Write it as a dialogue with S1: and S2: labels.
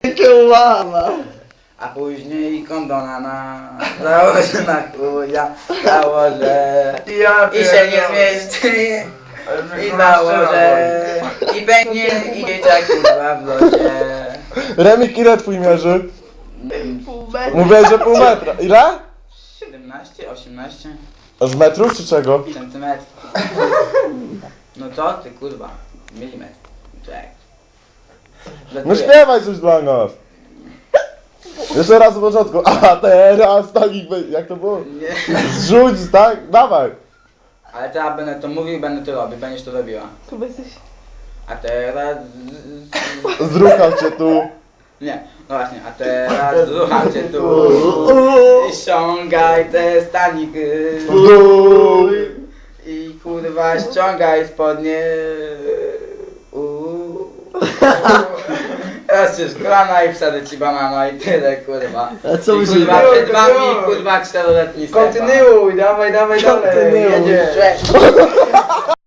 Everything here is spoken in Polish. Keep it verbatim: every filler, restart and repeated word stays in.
S1: Mama.
S2: A później kondona na... Założę na chuja, założę
S3: Ja
S2: i się nie zmieści. I założę i pęknie i dzieciak kurwa w locie.
S4: Remik, ile twój mierzy?
S1: Pół metra.
S4: Mówię, że pół metra. Ile?
S2: siedemnaście, osiemnaście
S4: A z metrów czy czego?
S2: centymetrów. No to ty kurwa, milimetr. Czek.
S4: No śpiewaj coś dla nas. Jeszcze raz od początku. A teraz tak i wy- jak to było?
S2: Nie.
S4: Zrzuć, tak? Dawaj.
S2: Ale teraz będę to mówił i będę to robił, będziesz to robiła.
S1: Chyba jesteś...
S2: A teraz...
S4: Zrucham cię tu.
S2: Nie, no właśnie, a teraz zrucham cię tu i ściągaj te staniki
S4: W dół.
S2: i kurwa ściągaj spodnie. Uuu. Teraz już kolana i wsadzę ci banana i tyle kurwa.
S1: A co
S2: I
S1: myślisz?
S2: kurwa przed wami
S3: Kontynuuj.
S2: kurwa czteroletni Stefan.
S3: Kontynuuj, dawaj, dawaj, dalej.
S4: Kontynuuj.
S3: Jedziesz.
S2: Cześć.